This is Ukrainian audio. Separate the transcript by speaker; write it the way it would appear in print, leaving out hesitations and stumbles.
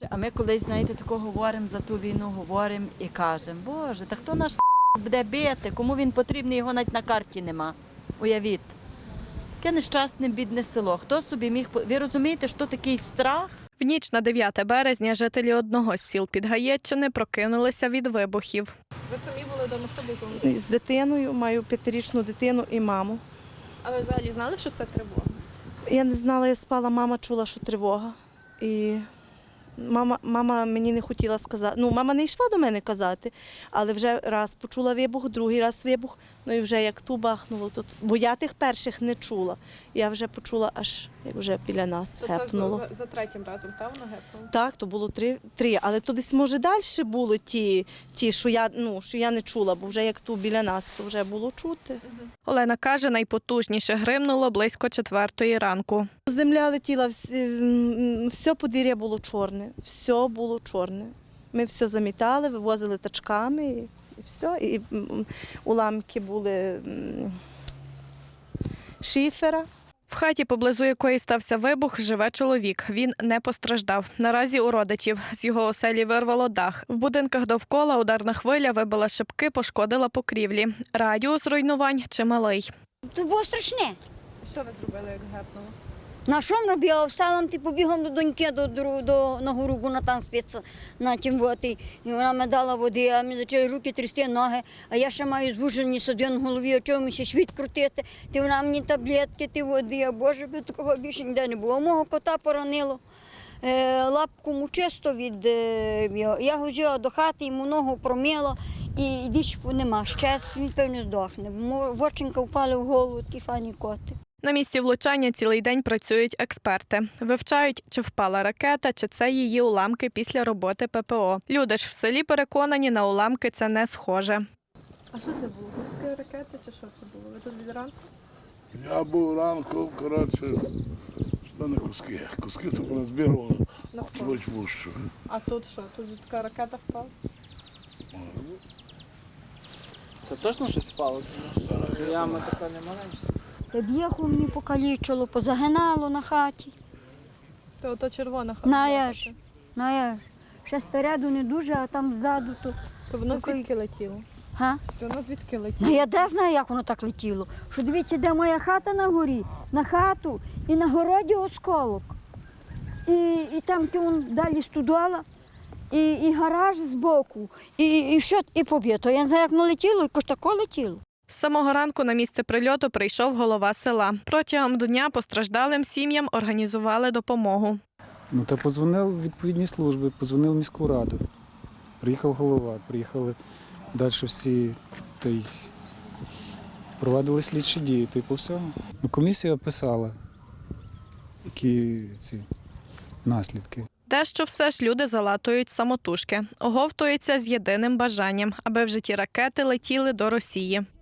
Speaker 1: А ми колись, знаєте, тако говоримо за ту війну, говоримо і кажемо, Боже, та хто наш буде бити, кому він потрібний, його навіть на карті нема. Уявіть. Таке нещасне, бідне село. Хто собі міг... Ви розумієте, що такий страх?
Speaker 2: В ніч на 9 березня жителі одного з сіл Підгаєтчини прокинулися від вибухів.
Speaker 3: Ви самі були вдома, хто був з вами?
Speaker 4: З дитиною, маю 5-річну дитину і маму.
Speaker 3: А ви взагалі знали, що це тривога?
Speaker 4: Я не знала, я спала, мама чула, що тривога. І мама мені не хотіла сказати. Ну, мама не йшла до мене казати, але вже раз почула вибух, другий раз вибух, ну і вже як ту бахнуло. Бо я тих перших не чула. Я вже почула, аж як вже біля нас гепнуло.
Speaker 3: Це за третім разом, так, воно гепнуло?
Speaker 4: Так, то було три, але то десь, може, далі були ті що я не чула, бо вже як ту біля нас, то вже було чути.
Speaker 2: Олена каже, найпотужніше гримнуло близько 4 ранку.
Speaker 4: Земля летіла, все подвір'я було чорне, все було чорне. Ми все замітали, вивозили тачками і все. І уламки були шифера.
Speaker 2: В хаті, поблизу якої стався вибух, живе чоловік. Він не постраждав. Наразі у родичів. З його оселі вирвало дах. В будинках довкола ударна хвиля вибила шибки, пошкодила покрівлі. Радіус руйнувань чималий.
Speaker 5: То було страшне.
Speaker 3: Що ви зробили, як гепнуло?
Speaker 5: На що ми робила? Встала, побігом до доньки на гору, бо вона там спиться на тім воді. І вона мені дала води, а мені почали руки трясти, ноги. А я ще маю звужені судин в голові, а чого мені ще світ крутити. Ти вона мені таблетки, ти води, а Боже, би такого більше ніде не було. Мого кота поранило. Лапку мучисто від його. Я гожила до хати, йому ногу промила, і дічку нема. Щас він, певно, здохне. Воченька впали в голову, ті фані коти.
Speaker 2: На місці влучання цілий день працюють експерти. Вивчають, чи впала ракета, чи це її уламки після роботи ППО. Люди ж в селі переконані, на уламки це не схоже.
Speaker 3: А що це було? Куски ракети чи що це було? Ви тут від ранку?
Speaker 6: Я був ранку, коротше, що не куски. Куски це порозбірували в пущу.
Speaker 3: А тут що? Тут же така ракета впала?
Speaker 7: Це точно щось впало? Яма така не маленька.
Speaker 5: Б'єху мені покалічило, позагинало на хаті.
Speaker 3: То ото червона хата.
Speaker 5: Наєш. Ще спереду не дуже, а там ззаду то.
Speaker 3: То воно
Speaker 5: Такий-
Speaker 3: звідки летіло?
Speaker 5: Га?
Speaker 3: То воно звідки
Speaker 5: Ну
Speaker 3: летіло?
Speaker 5: я де знаю, як воно так летіло. Що дивіться, де моя хата на горі, на хату і на городі осколок. І там далі студола, і гараж збоку, і все, і поб'єто. Я не знаю, як воно летіло, якось тако летіло.
Speaker 2: З самого ранку на місце прильоту прийшов голова села. Протягом дня постраждалим сім'ям організували допомогу.
Speaker 8: Ну, та подзвонив відповідні служби, подзвонив в міську раду. Приїхав голова, приїхали далі всі, та й проводили слідчі дії, та й по всьому. Ну, комісія описала, які ці наслідки.
Speaker 2: Дещо все ж люди залатують самотужки. Оговтуються з єдиним бажанням, аби вже ті ракети летіли до Росії.